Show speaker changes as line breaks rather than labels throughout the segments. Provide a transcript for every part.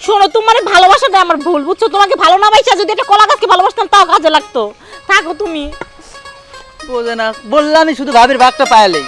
শোনো, তোমার ভালোবাসাটা আমার ভুল, বুঝছো? তোমাকে ভালো না বাইসা যদি একটা কলা গাছকে ভালোবাসতাম তাও কাজে লাগতো। থাকো তুমি।
বোঝে না, বললামই শুধু ভাবির ভাগটা পায়ালেই।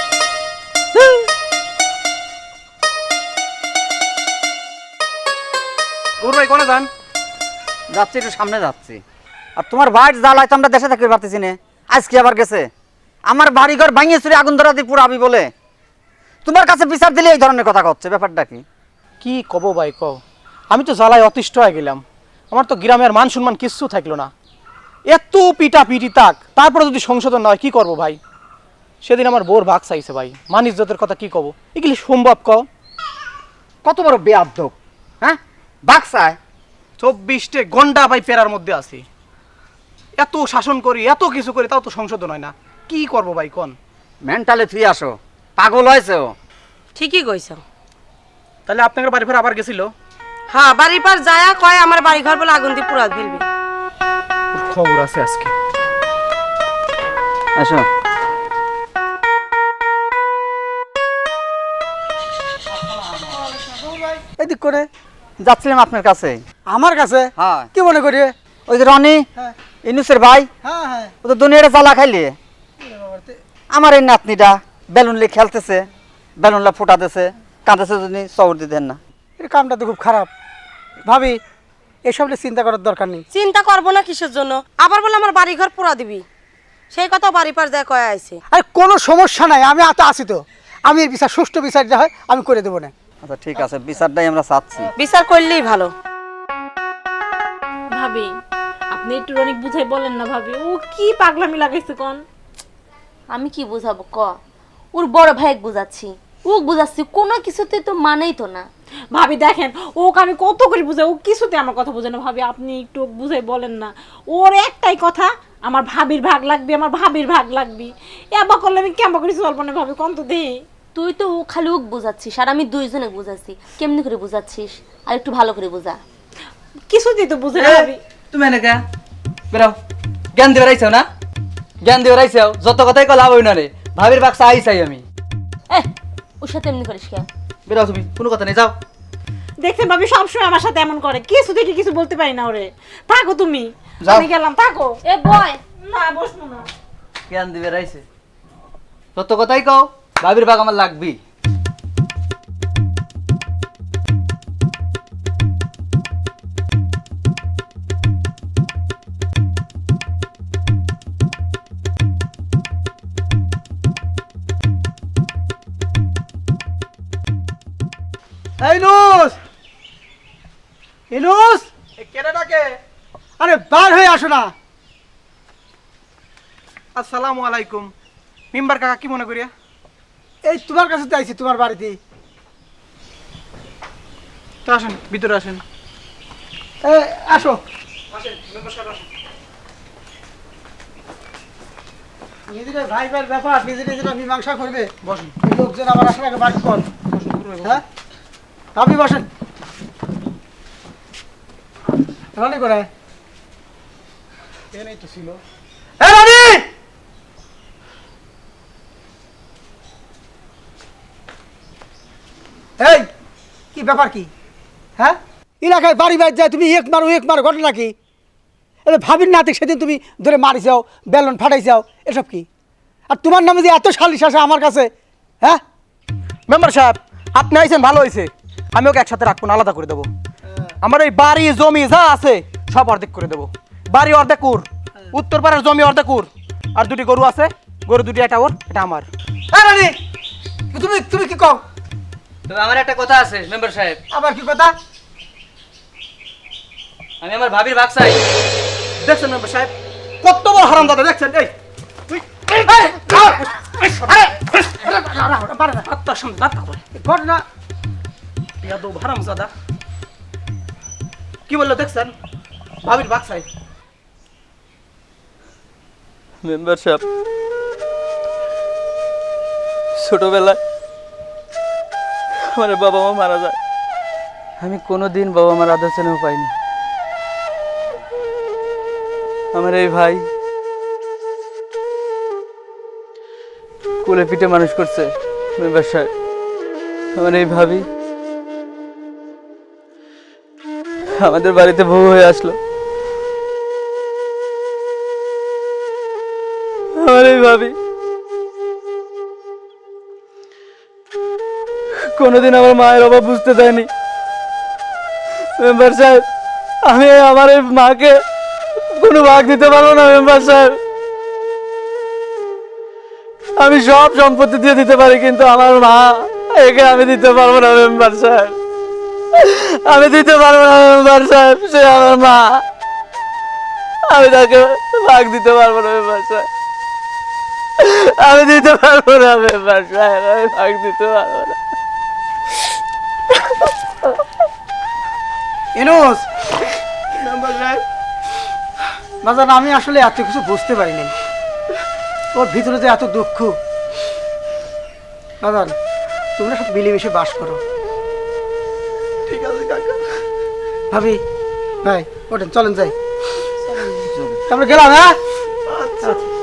ভাই কোনে যান?
যাচ্ছি, একটু সামনে যাচ্ছি। আর তোমার ভাই জ্বালায় তো আমরা দেশে থাকতে পারতেছি না। আজকে আবার গেছে আমার বাড়িঘর ভাঙিয়ে চুরি আগুন ধরা দিয়ে পুরাবি বলে। তোমার কাছে বিচার দিলে এই ধরনের কথা হচ্ছে, ব্যাপারটা কি?
কি কব ভাই কও, আমি তো জ্বালায় অতিষ্ঠ হয়ে গেলাম। আমার তো গ্রামের মান সম্মান কিচ্ছু থাকলো না। এত পিটা পিটি তাক, তারপরে যদি সংশোধন না হয় কি করবো ভাই? সেদিন আমার বোর ভাগ চাইছে ভাই, মান ইজ্জতের কথা কি কব? এগুলি সম্ভব কও?
কত বড় বেয়াদব, হ্যাঁ? ভাগ চায়?
24টে গন্ডা ভাই পেরার মধ্যে আছি, এত শাসন করি, এত কিছু করি, তাও তো সংশোধন হয় না। কি করবো ভাই কোন?
মেন্টালে ফ্রি আসো, পাগল হয়েছে ও।
ঠিকই কইছ।
তাহলে আপনাদের বাড়ি ফের আবার গেছিল?
হ্যাঁ, বাড়ির পার যায়া কয় আমার বাড়ি ঘর বলে আগুন দিয়ে পুরা ফেলবি।
ওর খবর আছে আজকে।
আসো।
এদিক করে
যাচ্ছিলাম আপনার কাছে।
আমার কাছে?
হ্যাঁ।
কি মনে করি?
ওই যে রনি,
হ্যাঁ
ইনুসের ভাই,
হ্যাঁ হ্যাঁ।
ও তো দুনিয়াটা জ্বালা খাইলে। আমার এই নাতনিটা বেলুন লিয়ে খেলতেছে, বেলুনলা ফুটাতেছে, কাঁদেছে, যদি চবর দিতেন না।
এর কামটা তো খুব খারাপ। ভাবি, এসব নিয়ে চিন্তা করার দরকার নেই।
চিন্তা করবো না কিসের জন্য? আবার বলে আমার বাড়ি ঘর পুরা দিবি, সেই কথা বাড়ি পার যায় কয় আইছে।
আর কোনো সমস্যা নাই, আমি তো আছি তো। আমি এর বিচার, সুষ্ঠু বিচার যা হয় আমি করে দেবো না।
আচ্ছা ঠিক আছে, বিচারটাই আমরা চাচ্ছি।
বিচার করলেই ভালো।
ভাবি, আপনি একটু অনেক বুঝাই বলেন না ভাবি, ও কি পাগলামি লাগাইছে কোন?
আমি কি বুঝাবো ক? ওর বড় ভাইকে বুঝাচ্ছি, ও বুঝাচ্ছি, কোনো কিছুতে তো মানেই তো না।
ভাবি দেখেন, ওকে আমি কত করে বুঝাই, ও কিছুতে আমার কথা বোঝে না। ভাবি আপনি একটু বুঝাই বলেন না। ওর একটাই কথা, আমার ভাবির ভাগ লাগবে, আমার ভাবির ভাগ লাগবে। এবার করলে আমি কেমন করে চলবো না ভাবি, কোন তো দেই।
তুই তো ও খালি ওক বুঝাচ্ছিস, আর আমি দুইজনে বুঝাচ্ছি। কেমনি করে বুঝাচ্ছিস? আর একটু ভালো করে বুঝা।
কিছুতেই তো বুঝে না ভাবি।
তুমি এনেকা বেরাও, জ্ঞান দিয়ে রাইছাও না? জ্ঞান দিয়ে রাইছাও, যত কথাই কল লাভ হই না রে। ভাবির বাক্সা আই চাই আমি।
এ, ওর সাথে এমনি করিস কে?
বেরাও তুমি, কোনো কথা নেই, যাও।
দেখছেন ভাবি, সবসময় আমার সাথে এমন করে, কিছু থেকে কিছু বলতে পারি না ওরে। থাকো তুমি,
যাও।
আমি গেলাম, থাকো।
এ বয়,
না, বসবো না।
জ্ঞান দিবে রাইছে, যত কথাই কও ভাবির বাগ আমার লাগবি।
এই নুস, ইনুস,
কেটে ডাকে।
আরে বার হয়ে আসো না।
আসসালামু আলাইকুম। মেম্বার কাকা, কি মনে করিয়া?
এই তোমার কাছে তো আইছি, তোমার বাড়িতে।
তো আসেন, ভিতরে আসেন।
আসো। নিজেদের ভাই ভাইয়ের ব্যাপার, নিজে নিজেরা মীমাংসা করবে।
বসেন।
এই লোকজন আবার আসার আগে বাড়ি কর। হ্যাঁ, আপনি বসেন। রানি করে এখানেই তো ছিল। এ রানি! এই কি ব্যাপার কি? হ্যাঁ, এলাকায় বাড়ি বাড়ি যায় তুমি এক মারো, ঘটনা কি? এটা ভাবির নাতে সেদিন তুমি ধরে মারি যাও, বেলুন ফাটাই যাও, এসব কি? আর তোমার নামে যে এত সালিশ আসে আমার কাছে, হ্যাঁ?
মেম্বার সাহেব, আপনি আইছেন ভালো হয়েছে। আমি ওকে একসাথে রাখবো না, আলাদা করে দেবো। আমার এই বাড়ি জমি যা আছে সব অর্ধেক করে দেবো। বাড়ি অর্ধেক ওর, উত্তর পাড়ার জমি অর্ধেক ওর, আর দুটি গরু আছে, গরু দুটি, এটা ওর, এটা আমার।
হ্যাঁ রানি, তুমি তুমি কি কও?
তো আমার একটা কথা আছে মেম্বার সাহেব,
আবার কি কথা?
আমি আমার ভাবির ভাগ চাই।
দেখছেন মেম্বার সাহেব, কত বড় হারামজাদা দেখছেন? এই তুই আত্মার সামনে দাঁত করে
ঘটনা
ইয়াদব হারামজাদা। কি বললো দেখছেন? ভাবির ভাগ চাই।
মেম্বার সাহেব, ছোটবেলায় আমার বাবা মা মারা যায়, আমি কোনোদিন বাবা মার আদর স্নেহ পাইনি। আমার এই ভাই কোলে পিঠে মানুষ করছে মেম্বার সাহেব। আমার এই ভাবি
আমাদের বাড়িতে বউ হয়ে আসলো। আমার এই ভাবি কোনোদিন আমার মায়ের অভাব বুঝতে দেয়নি। মেম্বার সাহেব, আমি আমার এই মাকে কোনো ভাগ দিতে পারবো না। মেম্বার সাহেব, আমি সব সম্পত্তি দিয়ে দিতে পারি, কিন্তু আমার মা, একে আমি দিতে পারবো না। মেম্বার সাহেব, আমি দিতে পারবো না। মেম্বার সাহেব, সে আমার মা, আমি তাকে ভাগ দিতে পারবো না। মেম্বার সাহেব, আমি দিতে পারবো না। মেম্বার সাহেব, আমি ভাগ দিতে পারবো না।
ইনুস বাজান, আমি আসলে এত কিছু বুঝতে পারিনি, ওর ভিতরে যে এত দুঃখ। বাজান, তোমরা সব মিলেমিশে বাস করো।
ঠিক আছে কাকা।
ভাবি, ভাই ওঠেন, চলেন যাই, আমরা গেলাম। হ্যাঁ, আচ্ছা।